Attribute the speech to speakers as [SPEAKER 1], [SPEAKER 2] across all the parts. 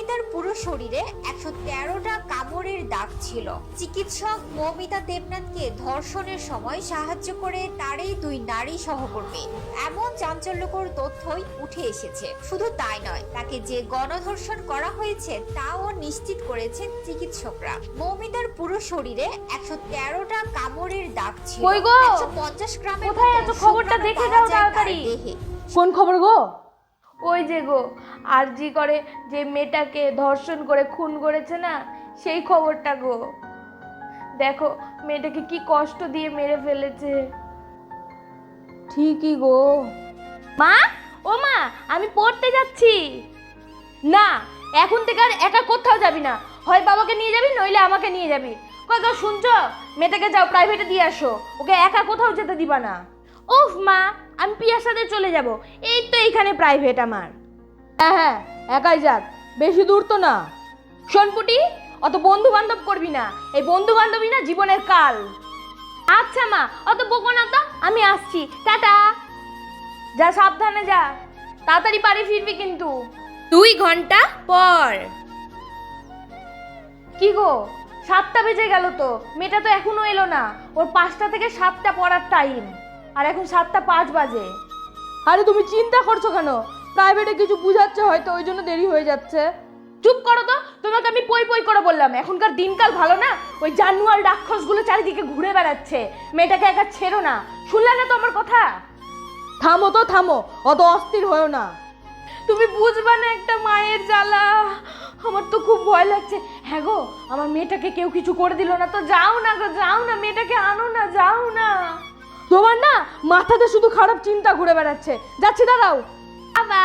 [SPEAKER 1] মৌমিতার পুরো শরীরে 113টা কামড়ের দাগ ছিল। চিকিৎসক মৌমিতা দেবনাথকে ধর্ষণের সময় সাহায্য করে তারই 2 নারী সহকর্মী। এমন চাঞ্চল্যকর তথ্যই উঠে এসেছে। শুধু তাই নয়, তাকে যে গণধর্ষণ করা হয়েছে তাও নিশ্চিত করেছেন চিকিৎসকরা। মৌমিতার পুরো শরীরে 113টা কামড়ের দাগ ছিল। 150 গ্রামের
[SPEAKER 2] কোথায় এত খবরটা দেখে দাও তাড়াতাড়ি।
[SPEAKER 3] কোন খবর গো?
[SPEAKER 2] ওই যে গো, আরজি করে যে মেয়েটাকে ধর্ষণ করে খুন করেছে না, সেই খবরটা গো। দেখো মেয়েটাকে কি কষ্ট দিয়ে মেরে ফেলেছে।
[SPEAKER 3] ঠিকই গো।
[SPEAKER 2] মা, ও মা, আমি পড়তে যাচ্ছি। না, এখন থেকে আর একা কোথাও যাবি না। হয় বাবাকে নিয়ে যাবি, নইলে আমাকে নিয়ে যাবি। কই গো, শুনছো? মেয়েটাকে যাও প্রাইভেটে দিয়ে আসো, ওকে একা কোথাও যেতে দিবা না। উফ মা, আমি পিয়ার সাথে চলে যাব, এই তো এইখানে প্রাইভেট আমার।
[SPEAKER 3] হ্যাঁ, একাই যাক, বেশি দূর তো না।
[SPEAKER 2] শোনপুটি, অত বন্ধু বান্ধব করবি না, এই বন্ধু বান্ধবী না জীবনের কাল। আচ্ছা মা, অত বকো না তো, আমি আসছি, টাটা। যা, সাবধানে যা, তাড়াতাড়ি বাড়ি ফিরবি কিন্তু। 2 ঘন্টা পর। কি গো, 7টা বেজে গেল তো, মেয়েটা তো এখনো এলো না। ওর 5টা থেকে 7টা পড়ার টাইম, আর এখন 7টা 5 বাজে।
[SPEAKER 3] আরে তুমি চিন্তা করছো কেন? প্রাইভেটে কিছু বুঝাচ্ছে হয়তো, ওই জন্য দেরি হয়ে যাচ্ছে।
[SPEAKER 2] চুপ করো তো, তোমাকে আমি পই পই করে বললাম। এখনকার দিনকাল ভালো না, ওই জানুয়ার রাক্ষসগুলো চারিদিকে ঘুরে বেড়াচ্ছে। মেয়েটাকে একা ছেড়ো না, শুনলে না তো আমার কথা?
[SPEAKER 3] থামো তো থামো, অত অস্থির হয়েও না।
[SPEAKER 2] তুমি বুঝবা না একটা মায়ের জ্বালা। আমার তো খুব ভয় লাগছে। হ্যাঁ গো, আমার মেয়েটাকে কেউ কিছু করে দিল না তো? যাও না গো, যাও না, মেয়েটাকে আনো না, যাও না।
[SPEAKER 3] তোমার না মাথাতে শুধু খারাপ চিন্তা ঘুরে বেড়াচ্ছে। যাচ্ছি, দাঁড়াও।
[SPEAKER 2] বাবা,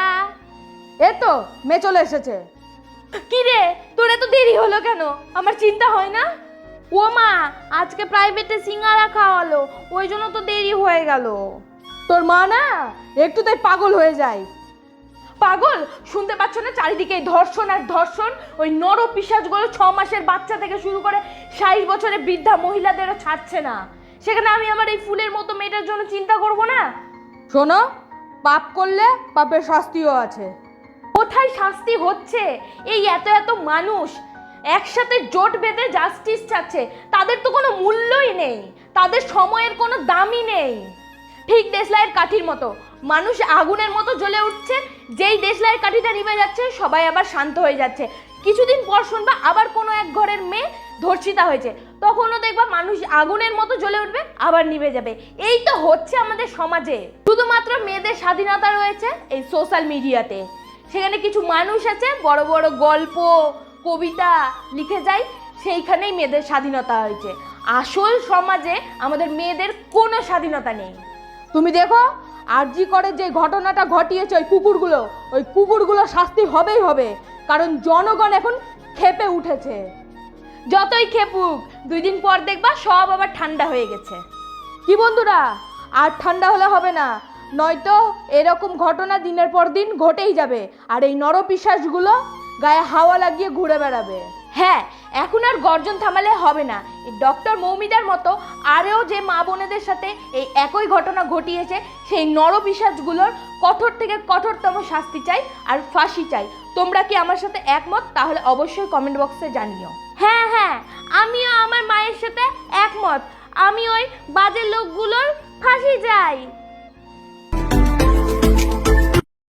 [SPEAKER 3] এই তো মেয়ে চলে এসেছে।
[SPEAKER 2] কি রে, তোর এত দেরি হলো কেন? আমার চিন্তা হয় না? ও মা, আজকে প্রাইভেটে সিঙ্গারা খাওয়ালো, ওই জন্য তো দেরি হয়ে গেল।
[SPEAKER 3] তোর মা না একটু তাই পাগল হয়ে যায়।
[SPEAKER 2] পাগল? শুনতে পাচ্ছ না চারিদিকে ধর্ষণ আর ধর্ষণ? ওই নর পিশাচগুলো 6 মাসের বাচ্চা থেকে শুরু করে 60 বছরের বৃদ্ধা মহিলাদেরও ছাড়ছে না। সেখানে আমি আমার এই ফুলের মতো মেয়েটার জন্য চিন্তা করব না?
[SPEAKER 3] শোনো, পাপ করলে পাপের শাস্তিও আছে।
[SPEAKER 2] কোথায় শাস্তি হচ্ছে? এই এত এত মানুষ একসাথে জোট বেঁধে জাস্টিস চাচ্ছে, তাদের তো কোনো মূল্যই নেই, তাদের সময়ের কোনো দামই নেই। ঠিক দেশলাইয়ের কাঠির মতো মানুষ আগুনের মতো জ্বলে উঠছে, যেই দেশলাইয়ের কাঠিটা নিভে যাচ্ছে সবাই আবার শান্ত হয়ে যাচ্ছে। কিছুদিন পর শুনবা আবার কোনো এক ঘরের মেয়ে ধর্ষিতা হয়েছে, তখনও দেখবা মানুষ আগুনের মতো জ্বলে উঠবে, আবার নিভে যাবে। এই তো হচ্ছে আমাদের সমাজে। শুধুমাত্র মেয়েদের স্বাধীনতা রয়েছে এই সোশ্যাল মিডিয়াতে। সেখানে কিছু মানুষ আছে বড় বড় গল্প কবিতা লিখে যায়, সেইখানেই মেয়েদের স্বাধীনতা হয়েছে। আসল সমাজে আমাদের মেয়েদের কোনো স্বাধীনতা নেই।
[SPEAKER 3] তুমি দেখো, আরজি করে যে ঘটনাটা ঘটিয়েছে ওই কুকুরগুলো শাস্তি হবেই হবে, কারণ জনগণ এখন ক্ষেপে উঠেছে।
[SPEAKER 2] যতই খেপুক, 2 দিন পর দেখবা সব আবার ঠান্ডা হয়ে গেছে।
[SPEAKER 3] কি বন্ধুরা, আর ঠান্ডা হলে হবে না, নয়তো এরকম ঘটনা দিনের পর দিন ঘটেই যাবে, আর এই নরপিশাচগুলো গায়ে হাওয়া লাগিয়ে ঘুরে বেড়াবে।
[SPEAKER 2] হ্যাঁ, এখন আর গর্জন থামালে হবে না। এই ডক্টর মৌমিতার মতো আরও যে মা বোনেদের সাথে এই একই ঘটনা ঘটিয়েছে, সেই নরপিশাচগুলোর কঠোর থেকে কঠোরতম শাস্তি চাই, আর ফাঁসি চাই। তোমরা কি আমার সাথে একমত? তাহলে অবশ্যই কমেন্ট বক্সে জানিও। হ্যাঁ হ্যাঁ, আমিও আমার মায়ের সাথে একমত। আমি ওই বাজে লোকগুলোর ফাঁসি চাই।